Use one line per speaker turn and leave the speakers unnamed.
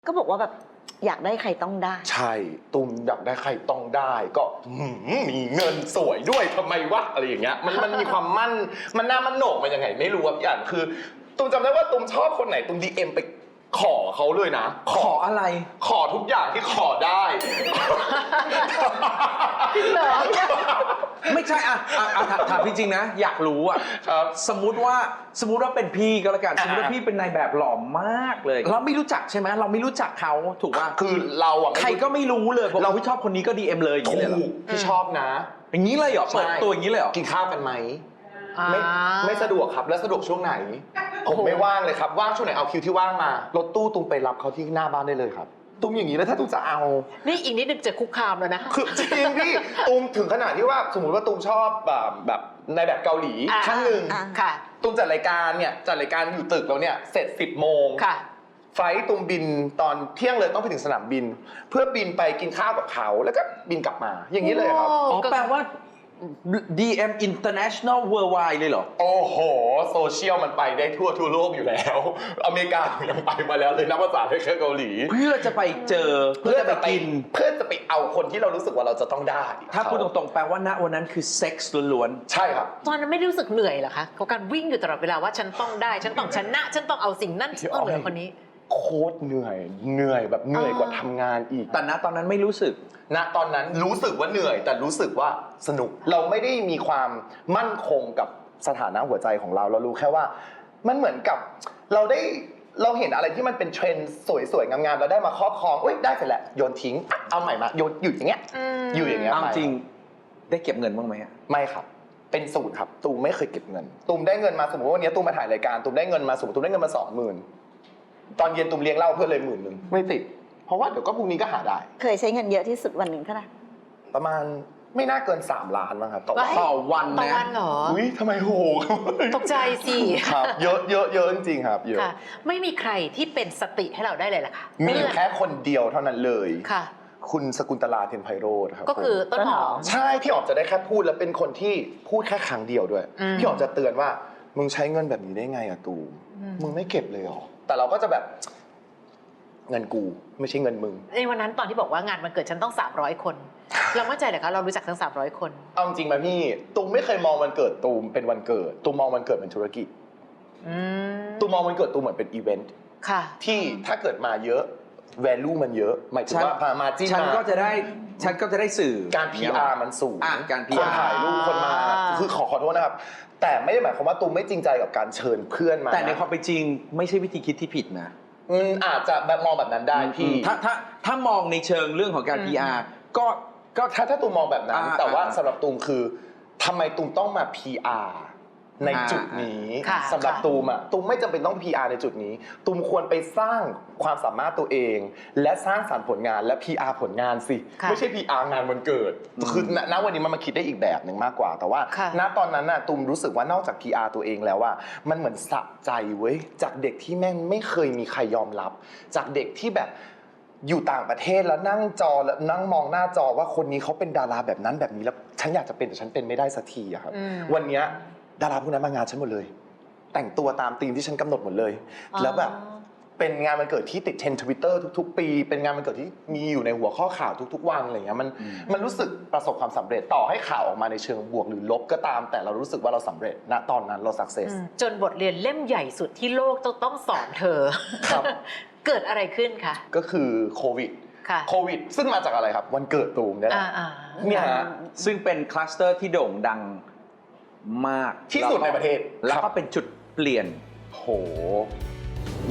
ก็บอกว่าแบบอยากได้ใครต้องได้
ใช่ตุ้มอยากได้ใครต้องได้ก็มีเงินสวยด้วยทำไมวะอะไรอย่างเงี้ยมันมีความมั่นมันน่ามันโหนกมันยังไงไม่รู้อ่ะอย่างคือตุ้มจำได้ว่าตุ้มชอบคนไหนตุ้มDMไปขอเขาเลยนะ
ขออะไร
ขอทุกอย่างที่ขอได้
จริงเหรอ
ไม่ใช่ถามจริงๆนะอยากรู้อ่ะ
ครับ
สมมุติว่าเป็นพี่ก็แล้วกันสมมติว่าพี่เป็นนายแบบหล่อมากเลยเราไม่รู้จักใช่ไหมเราไม่รู้จักเขาถูกป่ะ
คือเราอ่ะ
ใครก็ไม่รู้เลยเราพี่ชอบคนนี้ก็ DM เลยอย่างนี้เลยเหรอ
พี่ชอบนะ
อย่างนี้เลยเหรอเปิดตัวอย่างนี้เลยเหรอ
กินข้าวกันไหมไม่สะดวกครับแล้วสะดวกช่วงไหนผมไม่ว่างเลยครับว่างช่วงไหนเอาคิวที่ว่างมารถตู้ตุ้มไปรับเขาที่หน้าบ้านได้เลยครับตุ้มอย่างนี้แล้วถ้าตุ้มจะเอา
นี่อีกนิดนึงจะคุกคามแล้วนะ
คือจริงพี่ตุ้มถึงขนาดที่ว่าสมมติว่าตุ้มชอบแบบในแบบเกาหลีท่านหนึ่ง
ค่ะ
ตุ้มจัดรายการอยู่ตึกแล้วเนี่ยเสร็จ10 โมง
ค่ะ
ไฟล์ตุ้มบินตอนเที่ยงเลยต้องไปถึงสนามบินเพื่อบินไปกินข้าวกับเขาแล้วก็บินกลับมาอย่างนี้เลยครับ
อ๋อแปลว่า DM International Worldwide เลยเหรอ
โอ้โหโซเชียลมันไปได้ทั่วโลกอยู่แล้วอเมริกายังไปมาแล้วเลยนักภาษาแค่เกาหลี
เพื่อจะไปเจอเพื่อจะไปกิน
เพื่อจะไปเอาคนที่เรารู้สึกว่าเราจะต้องได้
ถ้าพูดตรงๆแปลว่าณวันนั้นคือเซ็กส์ล้วน
ๆใช่ครับ
ตอนนั้นไม่รู้สึกเหนื่อยเหรอคะเขาการวิ่งอยู่ตลอดเวลาว่าฉันต้องได้ฉันต้องชนะฉันต้องเอาสิ่งนั้นต้องเหนือคนนี้
โคตรเหนื่อยแบบเหนื่อยกว่าทำงานอีก
แต่ณตอนนั้นไม่รู้สึก
ณตอนนั้นรู้สึกว่าเหนื่อยแต่รู้สึกว่าสนุกเราไม่ได้มีความมั่นคงกับสถานะหัวใจของเรารู้แค่ว่ามันเหมือนกับเราเห็นอะไรที่มันเป็นเทรนด์สวยๆงามๆเราได้มาครอบครองเอ้ยได้เสร็จแล้วโยนทิ้งเอาใหม่มาโยนอยู่อย่างเงี้ยอยู่อย่างเงี้ย
จริงได้เก็บเงินบ้างไหม
ไม่ครับเป็นศูนย์ครับตูมไม่เคยเก็บเงินตูมได้เงินมาสมมติว่าวันนี้ตูมมาถ่ายรายการตูมได้เงินมาสมมติตูมได้เงินมา 20,000ตอนเย็นตูมเลี้ยงเหล้าเพื่อนเลย10,000ไม่ติดเพราะว่าเดี๋ยวก็พรุ่งนี้ก็หาได้
เคยใช้เงินเยอะที่สุดวันหนึ่งเท่าไหร่
ประมาณไม่น่าเกิน3 ล้านมั้งครับ
ต่อวัน
ต่อวันเหรอ
อุ้ยทำไมโห
ตกใจสิ
ครับเยอะจริงๆครับเยอะ
ไม่มีใครที่เป็นสติให้เราได้เลยล่ะค่ะ
มีแค่คนเดียวเท่านั้นเลย
ค่ะ
คุณสกุลตลาเทียนไพโรจน์ครับ
ก็คือต้นหอม
ใช่พี่อ๋อมจะได้แค่พูดแล้วเป็นคนที่พูดแค่ครั้งเดียวด้วยพี่อ๋อมจะเตือนว่ามึงใช้เงินแบบนี้ได้ไงอะตูมึงไม่เก็บเลยหรอแต่เราก็จะแบบเงินกูไม่ใช่เงินมึง
ในวันนั้นตอนที่บอกว่างานมันเกิดฉันต้อง300 คนเรามั่นใจเหรอคะเรารู้จักทั้ง300 คน
เอาจริงไหมพี่ตูมไม่เคยมองวันเกิดตูมเป็นวันเกิดตูมมองวันเกิดเป็นธุรกิจตูมมองวันเกิดตูมเหมือนเป็นอีเวนต์ที่ถ้าเกิดมาเยอะ value มันเยอะหมายถึงว่าพามาจิ้ม
ฉันก็จะได้สื่อ
การ PR มันสูง
การ PR
คนถ่ายรูปคนมาคือขอโทษนะครับแต่ไม่ได้หมายความว่าตูมไม่จริงใจกับการเชิญเพื่อนมา
แต่ในความเป็นจริงไม่ใช่วิธีคิดที่ผิดนะ
อาจจะแบบมองแบบนั้นได้พี่
ถ้ามองในเชิงเรื่องของการ PR ก็
ถ้าตูมมองแบบนั้นแต่ว่าสำหรับตูมคือทำไมตูมต้องมา PR ในจุดนี้สำหรับตูมตูมไม่จำเป็นต้อง PR ในจุดนี้ตูมควรไปสร้างความสามารถตัวเองและสร้างสรรค์ผลงานและ PR ผลงานสิไม่ใช่ PR งานวันเกิดคือณวันนี้มันมาคิดได้อีกแบบหนึ่งมากกว่าแต่ว่าณตอนนั้นตูมรู้สึกว่านอกจาก PR ตัวเองแล้วว่ามันเหมือนสะใจเว้ยจากเด็กที่แม่งไม่เคยมีใครยอมรับจากเด็กที่แบบอยู่ต่างประเทศแล้วนั่งจอแล้วนั่งมองหน้าจอว่าคนนี้เขาเป็นดาราแบบนั้นแบบนี้แล้วฉันอยากจะเป็นแต่ฉันเป็นไม่ได้สักทีอะครับวันนี้ดาราพวกนั้นมางานฉันหมดเลยแต่งตัวตามธีมที่ฉันกำหนดหมดเลยแล้วแบบเป็นงานวันเกิดที่ติดเทรนด์ Twitter ทุกๆปีเป็นงานวันเกิดที่มีอยู่ในหัวข้อข่าวทุกๆวันอะไรเงี้ยมันรู้สึกประสบความสำเร็จต่อให้ข่าวออกมาในเชิงบวกหรือลบก็ตามแต่เรารู้สึกว่าเราสำเร็จณตอนนั้นเราสักเซส
จนบทเรียนเล่มใหญ่สุดที่โลกต้องสอนเธอเกิดอะไรขึ้นคะ
ก็คือโควิดซึ่งมาจากอะไรครับวันเกิดตูมเนี่ย
ซึ่งเป็นคลัสเตอร์ที่โด่งดังมาก
ที่สุดในประเทศ
แล้วก็เป็นจุดเปลี่ยน
โห